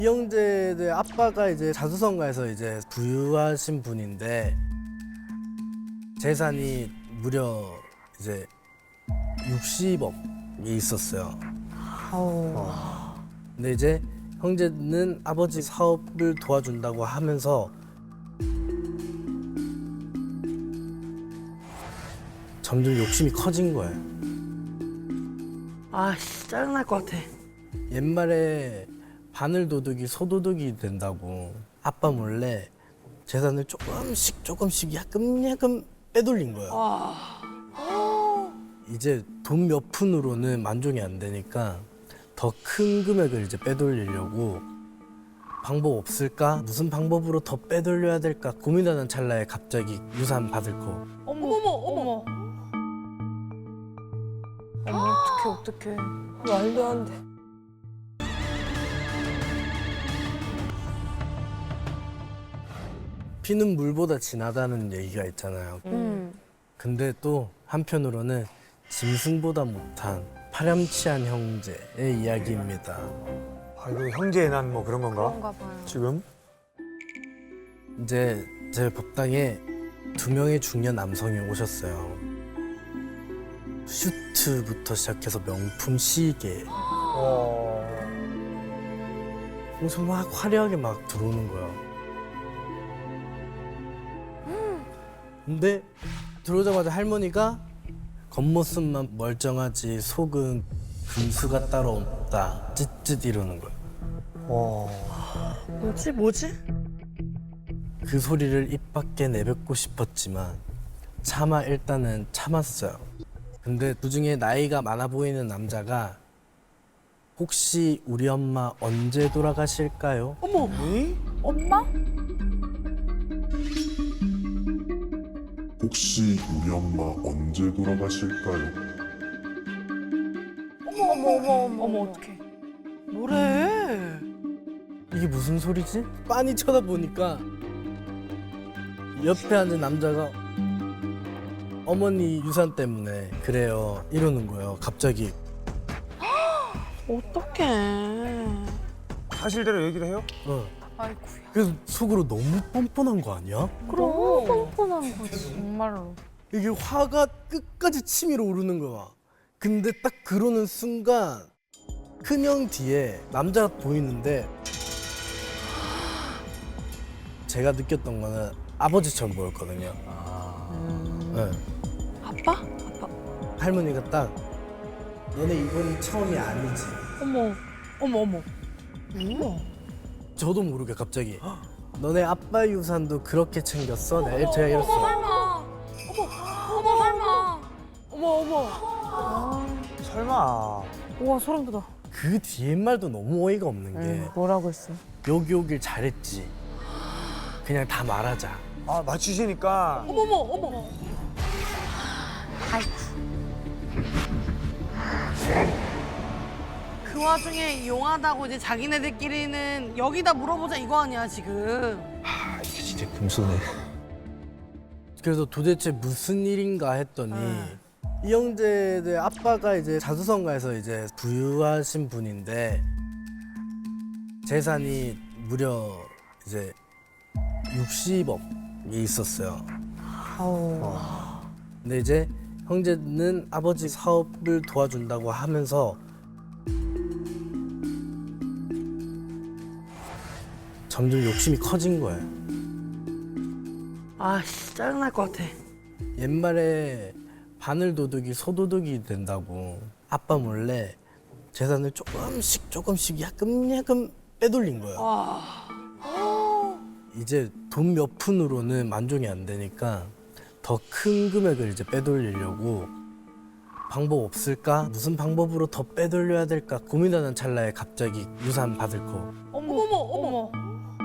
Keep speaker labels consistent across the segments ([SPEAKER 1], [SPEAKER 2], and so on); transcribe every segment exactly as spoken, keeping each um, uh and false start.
[SPEAKER 1] 이 형제들 아빠가 이제 자수성가에서 이제 부유하신 분인데 재산이 무려 이제 육십억이 있었어요. 근데 이제 형제는 아버지 사업을 도와준다고 하면서 점점 욕심이 커진 거예요.
[SPEAKER 2] 아씨 짜증날 것 같아.
[SPEAKER 1] 옛말에 바늘 도둑이 소도둑이 된다고 아빠 몰래 재산을 조금씩 조금씩 야금 야금 빼돌린 거예요.
[SPEAKER 2] 아.
[SPEAKER 1] 이제 돈 몇 푼으로는 만족이 안 되니까 더 큰 금액을 이제 빼돌리려고 방법 없을까? 무슨 방법으로 더 빼돌려야 될까? 고민하는 찰나에 갑자기 유산 받을 거.
[SPEAKER 2] 어머 어머 어머. 어머 어떡해 어떡해. 말도 안 돼.
[SPEAKER 1] 피는 물보다 진하다는 얘기가 있잖아요.
[SPEAKER 2] 음.
[SPEAKER 1] 근데 또 한편으로는 짐승보다 못한 파렴치한 형제의 이야기입니다.
[SPEAKER 3] 아, 이거 형제의 난 뭐 그런 건가?
[SPEAKER 2] 그런가 봐요.
[SPEAKER 3] 지금?
[SPEAKER 1] 이제 제 법당에 두 명의 중년 남성이 오셨어요. 슈트부터 시작해서 명품 시계,
[SPEAKER 3] 어.
[SPEAKER 1] 엄청 막 화려하게 막 들어오는 거야. 근데 들어오자마자 할머니가 겉모습만 멀쩡하지 속은 금수가 따로 없다. 찌릿 이러는 거야.
[SPEAKER 3] 어.
[SPEAKER 2] 뭐지 뭐지?
[SPEAKER 1] 그 소리를 입 밖에 내뱉고 싶었지만 차마 일단은 참았어요. 근데 그중에 나이가 많아 보이는 남자가 혹시 우리 엄마 언제 돌아가실까요?
[SPEAKER 2] 어머
[SPEAKER 3] 이?
[SPEAKER 2] 엄마?
[SPEAKER 4] 혹시 우리 엄마 언제 돌아가실까요?
[SPEAKER 2] 어머 어머 어머 어머 어머 어떡해. 뭐래?
[SPEAKER 1] 이게 무슨 소리지? 빤히 쳐다보니까 옆에 앉은 남자가 어머니 유산 때문에 그래요 이러는 거예요. 갑자기.
[SPEAKER 2] 어떡해.
[SPEAKER 3] 사실대로 얘기를 해요?
[SPEAKER 1] 어.
[SPEAKER 2] 아이고야.
[SPEAKER 1] 그래서 속으로 너무 뻔뻔한 거 아니야?
[SPEAKER 2] 그럼 뻔뻔한 거지 정말로.
[SPEAKER 1] 이게 화가 끝까지 치밀어 오르는 거야. 근데 딱 그러는 순간 큰형 뒤에 남자가 보이는데 제가 느꼈던 거는 아버지처럼 보였거든요. 네.
[SPEAKER 2] 아빠? 아빠.
[SPEAKER 1] 할머니가 딱 너네 이번이 처음이 아니지.
[SPEAKER 2] 어머 어머 어머. 어머.
[SPEAKER 1] 저도 모르게 갑자기 너네 아빠 유산도 그렇게 챙겼어? 네, 제가 이랬어요.
[SPEAKER 2] 설마. 어머 어머 설마. 어머 어머.
[SPEAKER 3] 설마.
[SPEAKER 2] 우와 소름 돋아.
[SPEAKER 1] 그 뒤에 말도 너무 어이가 없는 게
[SPEAKER 2] 응, 뭐라고 했어?
[SPEAKER 1] 여기 오길 잘했지. 그냥 다 말하자.
[SPEAKER 3] 아, 맞추시니까.
[SPEAKER 2] 어머머 어머. 아이고. 그 와중에 용하다고 이제 자기네들끼리는 여기다 물어보자 이거 아니야 지금.
[SPEAKER 3] 아, 이게 진짜 금수네.
[SPEAKER 1] 그래서 도대체 무슨 일인가 했더니 이 형제들 아빠가 이제 자수성가에서 이제 부유하신 분인데 재산이 무려 이제 육십억이 있었어요. 근데 이제 형제는 아버지 사업을 도와준다고 하면서 점점 욕심이 커진 거예요.
[SPEAKER 2] 아씨 짜증날 것 같아.
[SPEAKER 1] 옛말에 바늘 도둑이 소도둑이 된다고 아빠 몰래 재산을 조금씩 조금씩 야금 야금 빼돌린 거예요.
[SPEAKER 2] 와.
[SPEAKER 1] 이제 돈 몇 푼으로는 만족이 안 되니까 더 큰 금액을 이제 빼돌리려고 방법 없을까? 무슨 방법으로 더 빼돌려야 될까? 고민하는 찰나에 갑자기 유산 받을 거.
[SPEAKER 2] 어머 어머 어머.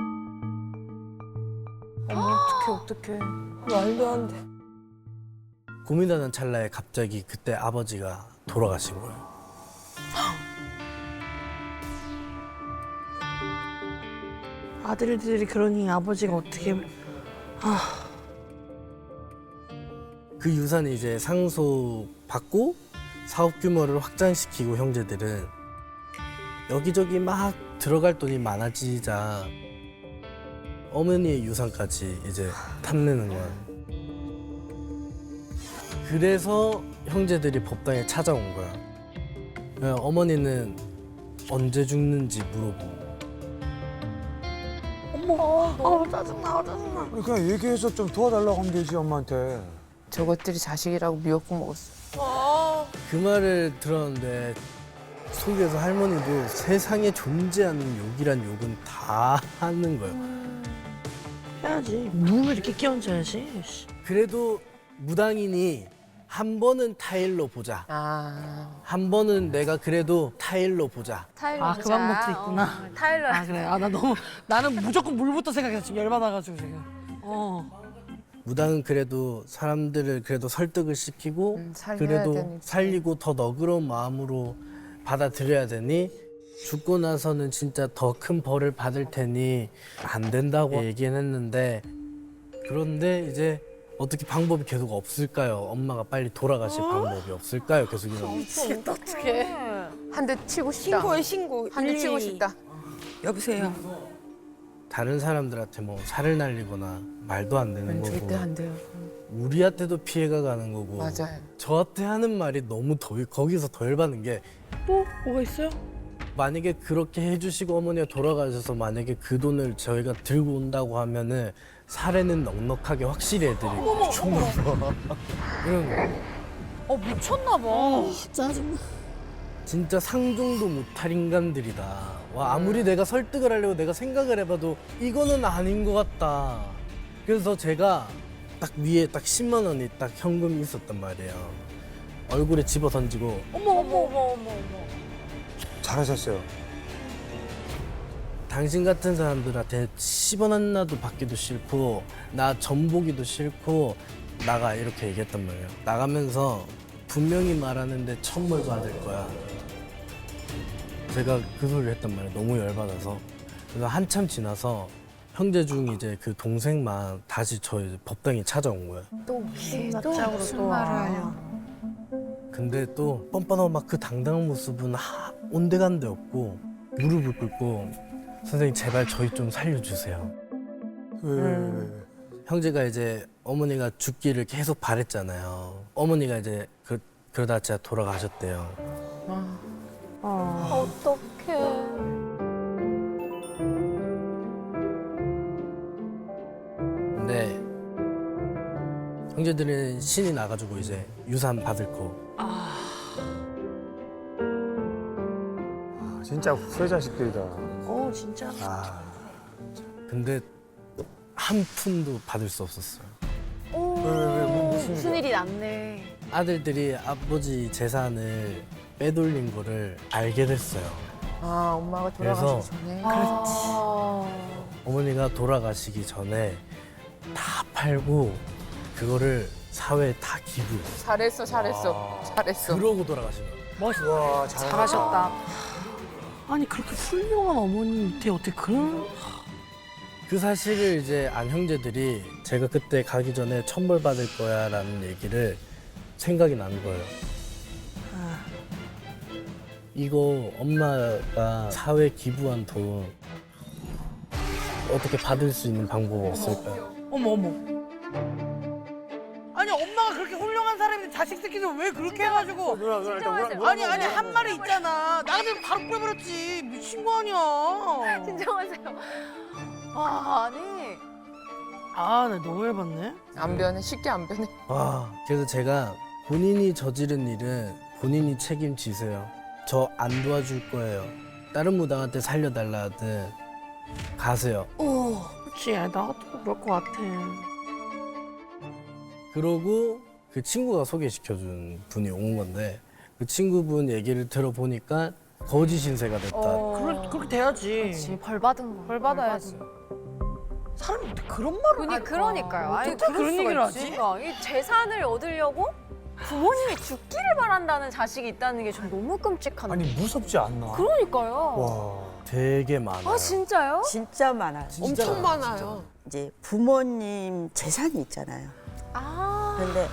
[SPEAKER 2] 어머 어떡해 어떡해. 말도 안 돼.
[SPEAKER 1] 고민하는 찰나에 갑자기 그때 아버지가 돌아가신 거예요.
[SPEAKER 2] 아들들이 그러니 아버지가 어떻게
[SPEAKER 1] 그 유산이 이제 상속받고 사업 규모를 확장시키고 형제들은 여기저기 막 들어갈 돈이 많아지자 어머니의 유산까지 이제 탐내는 거야. 그래서 형제들이 법당에 찾아온 거야. 그래서 어머니는 언제 죽는지 물어보고.
[SPEAKER 2] 어머, 아 짜증나, 짜증나.
[SPEAKER 3] 그냥 얘기해서 좀 도와달라고 하면 되지 엄마한테.
[SPEAKER 5] 저것들이 자식이라고 미역국 먹었어.
[SPEAKER 1] 그 말을 들었는데 속에서 할머니도 세상에 존재하는 욕이란 욕은 다 하는 거예요.
[SPEAKER 2] 해야지. 누구 이렇게 끼얹어야지.
[SPEAKER 1] 그래도 무당이니 한 번은 타일로 보자.
[SPEAKER 5] 아,
[SPEAKER 1] 한 번은 내가 그래도 타일로 보자.
[SPEAKER 6] 타일러
[SPEAKER 2] 아, 그
[SPEAKER 6] 보자.
[SPEAKER 2] 방법도 있구나.
[SPEAKER 6] 어, 타일러.
[SPEAKER 2] 아 그래. 아 나 너무 나는 무조건 물부터 생각해서 지금 열받아가지고 지금. 어.
[SPEAKER 1] 무당은 그래도 사람들을 그래도 설득을 시키고
[SPEAKER 5] 음, 살려야
[SPEAKER 1] 그래도
[SPEAKER 5] 되니까.
[SPEAKER 1] 살리고 더 너그러운 마음으로 받아들여야 되니 죽고 나서는 진짜 더 큰 벌을 받을 테니 안 된다고 얘기는 했는데 그런데 이제 어떻게 방법이 계속 없을까요? 엄마가 빨리 돌아가실 방법이 없을까요? 계속 이러고
[SPEAKER 2] 미치겠다 어떡해.
[SPEAKER 5] 한 대 치고 싶다.
[SPEAKER 6] 신고해 신고.
[SPEAKER 5] 한 대 치고 싶다.
[SPEAKER 6] 여보세요.
[SPEAKER 1] 다른 사람들한테 뭐 살을 날리거나 말도 안 되는
[SPEAKER 5] 음,
[SPEAKER 1] 거고
[SPEAKER 5] 절대 안 돼요.
[SPEAKER 1] 우리한테도 피해가 가는 거고
[SPEAKER 5] 맞아요.
[SPEAKER 1] 저한테 하는 말이 너무 더 거기서 더 열받는 게
[SPEAKER 2] 또 뭐가 있어요?
[SPEAKER 1] 만약에 그렇게 해주시고 어머니가 돌아가셔서 만약에 그 돈을 저희가 들고 온다고 하면은 사례는 넉넉하게 확실히 해드리고 미쳤나봐 이런 거
[SPEAKER 6] 어 미쳤나 봐.
[SPEAKER 2] 짜증나.
[SPEAKER 1] 진짜 상종도 못할 인간들이다. 와 아무리 내가 설득을 하려고 내가 생각을 해봐도 이거는 아닌 것 같다. 그래서 제가 딱 위에 딱 십만 원이 딱 현금이 있었단 말이에요. 얼굴에 집어 던지고
[SPEAKER 6] 어머 어머 어머 어머 어머.
[SPEAKER 3] 잘하셨어요.
[SPEAKER 1] 당신 같은 사람들한테 십 원 하나도 받기도 싫고 나 전보기도 싫고 나가 이렇게 얘기했단 말이에요. 나가면서 분명히 말하는데 천벌 받을 거야. 제가 그 소리를 했단 말이에요. 너무 열받아서. 그래서 한참 지나서 형제 중 이제 그 동생만 다시 저 이제 법당에 찾아온 거야.
[SPEAKER 6] 또
[SPEAKER 2] 낯짝으로 또 와.
[SPEAKER 1] 근데 또 뻔뻔하고 막 그 당당한 모습은 하, 온데간데 없고 무릎을 꿇고 선생님 제발 저희 좀 살려주세요.
[SPEAKER 3] 왜, 왜, 왜, 왜.
[SPEAKER 1] 형제가 이제 어머니가 죽기를 계속 바랬잖아요. 어머니가 이제 그, 그러다 진짜 돌아가셨대요.
[SPEAKER 6] 어떡해.
[SPEAKER 1] 근데 형제들은 신이 나가지고 이제 유산 받을 거.
[SPEAKER 3] 아, 진짜 후회 자식들이다.
[SPEAKER 2] 어 진짜.
[SPEAKER 3] 아,
[SPEAKER 1] 근데 한 푼도 받을 수 없었어요.
[SPEAKER 3] 왜, 왜, 왜, 뭐, 무슨
[SPEAKER 6] 무슨
[SPEAKER 3] 일이야?
[SPEAKER 6] 일이 났네.
[SPEAKER 1] 아들들이 아버지 재산을 빼돌린 거를 알게 됐어요.
[SPEAKER 5] 아, 엄마가
[SPEAKER 1] 그래서-
[SPEAKER 5] 돌아가시기 전에.
[SPEAKER 6] 아.
[SPEAKER 1] 어머니가 돌아가시기 전에 다 팔고 그거를 사회에 다 기부.
[SPEAKER 5] 잘했어, 잘했어, 잘했어.
[SPEAKER 1] 그러고 돌아가신 거예요.
[SPEAKER 2] 멋있다.
[SPEAKER 3] 와, 잘하셨다.
[SPEAKER 6] 잘하셨다.
[SPEAKER 2] 아니 그렇게 훌륭한 어머니 밑에 어떻게 그런?
[SPEAKER 1] 그 사실을 이제 안 형제들이 제가 그때 가기 전에 천벌 받을 거야라는 얘기를 생각이 난 거예요.
[SPEAKER 2] 아,
[SPEAKER 1] 이거 엄마가 사회 기부한 돈 어떻게 받을 수 있는 방법 없을까요?
[SPEAKER 2] 어머 어머. 아니 엄마가 그렇게 훌륭한 사람인데 자식 새끼들 왜 그렇게 해가지고?
[SPEAKER 3] 누나, 누나, 일단 뭐라, 뭐라,
[SPEAKER 2] 아니 아니 한 말이 있잖아. 나한테 바로 빼버렸지. 미친 거 아니야.
[SPEAKER 6] 진정하세요. 아 아니.
[SPEAKER 2] 아, 나 너무 열받네.
[SPEAKER 5] 안 변해, 쉽게 안 변해.
[SPEAKER 1] 와, 그래서 제가 본인이 저지른 일은 본인이 책임지세요. 저 안 도와줄 거예요. 다른 무당한테 살려달라 하든 가세요.
[SPEAKER 2] 오, 그렇지. 아, 나도 그럴 것 같아.
[SPEAKER 1] 그러고 그 친구가 소개시켜준 분이 온 건데 그 친구분 얘기를 들어보니까 거짓 신세가 됐다.
[SPEAKER 2] 그럴, 그렇게 돼야지.
[SPEAKER 6] 그렇지 벌 받은 거. 벌 받아야지.
[SPEAKER 2] 사람이 어떻게 그런 말을
[SPEAKER 6] 그니
[SPEAKER 2] 할까?
[SPEAKER 6] 그러니까요. 아니
[SPEAKER 2] 어떻게 그런
[SPEAKER 6] 수가
[SPEAKER 2] 얘기를
[SPEAKER 6] 있지?
[SPEAKER 2] 하지?
[SPEAKER 6] 그러니까 이 재산을 얻으려고 부모님이 죽기를 바란다는 자식이 있다는 게 전 너무 끔찍한데.
[SPEAKER 3] 아니, 무섭지 않나?
[SPEAKER 6] 그러니까요.
[SPEAKER 3] 와.
[SPEAKER 1] 되게 많아요.
[SPEAKER 6] 아 진짜요?
[SPEAKER 7] 진짜 많아요.
[SPEAKER 1] 진짜
[SPEAKER 2] 엄청
[SPEAKER 1] 많아요,
[SPEAKER 2] 많아요.
[SPEAKER 7] 이제 부모님 재산이 있잖아요.
[SPEAKER 6] 아.
[SPEAKER 7] 그런데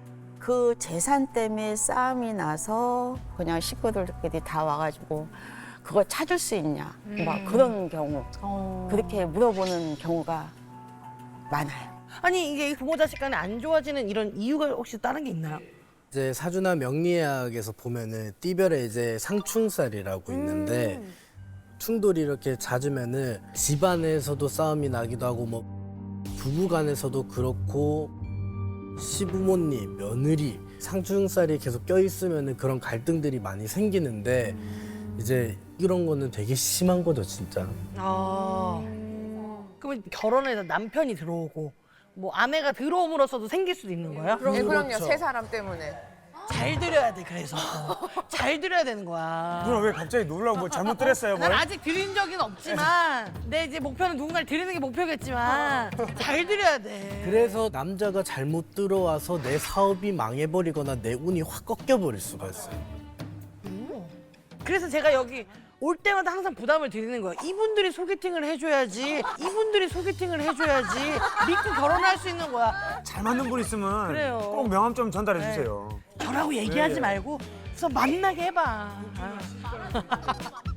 [SPEAKER 7] 그 재산 때문에 싸움이 나서 그냥 식구들끼리 다 와가지고 그걸 찾을 수 있냐 막 그런 경우
[SPEAKER 6] 어.
[SPEAKER 7] 그렇게 물어보는 경우가 많아요.
[SPEAKER 2] 아니 이게 부모 자식 간에 안 좋아지는 이런 이유가 혹시 다른 게 있나요?
[SPEAKER 1] 이제 사주나 명리학에서 보면은 띠별에 이제 상충살이라고 있는데 충돌이 이렇게 잦으면은 집안에서도 싸움이 나기도 하고 뭐 부부간에서도 그렇고 시부모님, 며느리 상충살이 계속 껴있으면은 그런 갈등들이 많이 생기는데 이제 이런 거는 되게 심한 거죠 진짜.
[SPEAKER 2] 아. 그러면 결혼해서 남편이 들어오고 뭐 아내가 들어옴으로써도 생길 수도 있는 거예요?
[SPEAKER 5] 네, 그럼요.
[SPEAKER 1] 그렇죠.
[SPEAKER 5] 세 사람 때문에.
[SPEAKER 2] 잘 들여야 돼 그래서 잘 들여야 되는 거야.
[SPEAKER 3] 누나 왜 갑자기 놀라고 뭐 잘못 들었어요? 뭐?
[SPEAKER 2] 난 아직 들인 적은 없지만 내 이제 목표는 누군가를 들이는 게 목표겠지만 잘 들여야 돼.
[SPEAKER 1] 그래서 남자가 잘못 들어와서 내 사업이 망해버리거나 내 운이 확 꺾여버릴 수가 있어요.
[SPEAKER 2] 그래서 제가 여기 올 때마다 항상 부담을 드리는 거예요. 이분들이 소개팅을 해줘야지. 이분들이 소개팅을 해줘야지. 믿고 결혼할 수 있는 거야.
[SPEAKER 3] 잘 맞는 분 있으면
[SPEAKER 2] 그래요.
[SPEAKER 3] 꼭 명함 좀 전달해 주세요.
[SPEAKER 2] 저라고 얘기하지
[SPEAKER 3] 네.
[SPEAKER 2] 말고 그래서 만나게 해봐. 아.